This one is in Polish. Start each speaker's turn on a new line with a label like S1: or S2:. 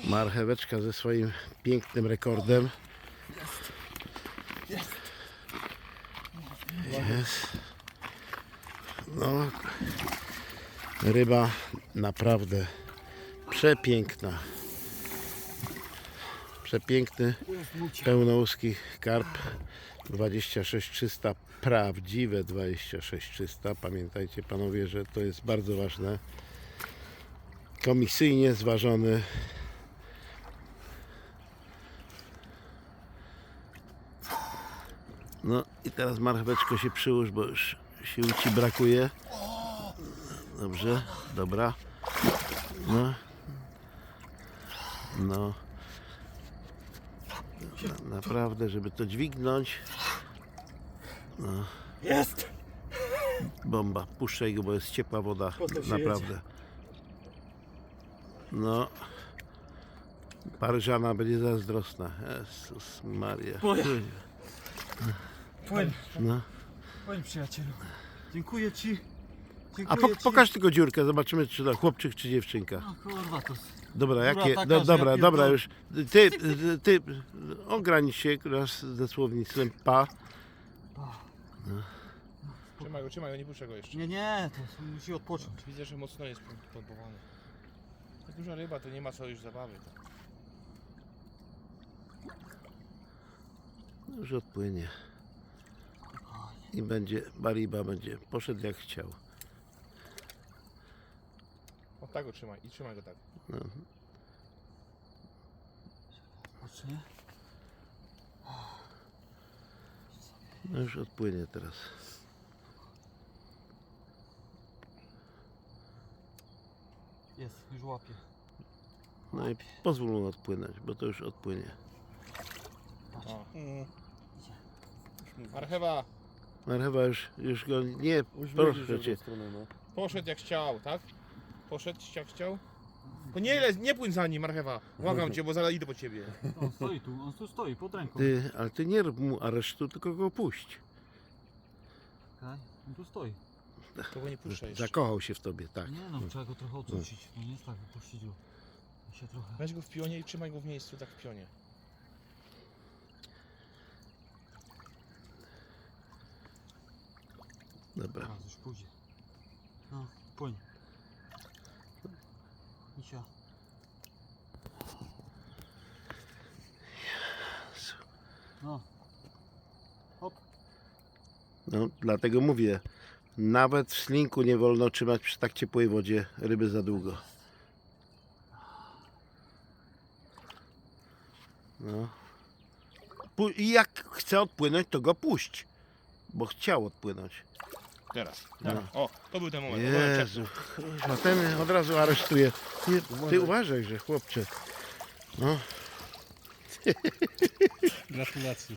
S1: Marcheweczka ze swoim pięknym rekordem. Jest. No, ryba naprawdę przepiękna. Przepiękny, pełnołuski karp 26300, prawdziwe 26300. Pamiętajcie panowie, że to jest bardzo ważne. Komisyjnie zważony. No i teraz marcheweczko się przyłóż, bo już sił ci brakuje. Dobrze, dobra. No. No. Naprawdę, żeby to dźwignąć. No.
S2: Jest!
S1: Bomba, puszczaj go, bo jest ciepła woda.
S2: Potem się
S1: Naprawdę. No. Paryżana będzie zazdrosna. Jezus Maria.
S2: Moja. Płyń,
S1: No.
S2: płyń przyjacielu. Dziękuję ci.
S1: A
S2: Dziękuję ci.
S1: pokaż tylko dziurkę, zobaczymy czy to chłopczyk czy dziewczynka.
S2: No kurwa to.
S1: Dobra, jakie.
S2: taka, że
S1: Dobra,
S2: ja
S1: dobra,
S2: pierdolę.
S1: już. Ty ogranicz się raz ze słownictwem pa.
S3: Trzymaj go, nie puszczę go jeszcze.
S2: Nie, to musi odpocząć.
S3: Widzę, że mocno jest pompowany. To duża ryba, to nie ma co już zabawy.
S1: Już odpłynie. I będzie, Bariba będzie poszedł jak chciał.
S3: O tak go trzymaj i trzymaj go tak.
S1: No.
S2: Odpocznie.
S1: No już odpłynie teraz.
S2: Jest, już łapie.
S1: No i pozwól mu odpłynąć, bo to już odpłynie.
S3: O. Marchewa,
S1: Marchewa już go nie, proszę cię.
S3: poszedł jak chciał, tak? Poszedł jak chciał. To nie płyń za nim, marchewa. Błagam cię, bo zaraz idę po ciebie.
S2: On tu stoi pod ręką.
S1: Ale ty nie rób mu aresztu, tylko go puść.
S2: Okay. On tu stoi.
S3: To go nie puszczaj jeszcze.
S1: Zakochał się w tobie, tak.
S2: Nie no, trzeba go trochę ocucić. No nie jest tak, wypuścić go. Się trochę.
S3: Weź go w pionie i trzymaj go w miejscu, tak w pionie.
S1: Dobra.
S2: Teraz już pójdzie. No, płyń. Misia. No. Hop.
S1: No, dlatego mówię, nawet w slinku nie wolno trzymać przy tak ciepłej wodzie ryby za długo. No. I jak chce odpłynąć, to go puść, bo chciał odpłynąć.
S3: Teraz.
S1: No.
S3: O, to był ten moment.
S1: Jezu, a ten od razu aresztuje. Nie, ty uważaj, że chłopcze. No.
S3: Gratulacje.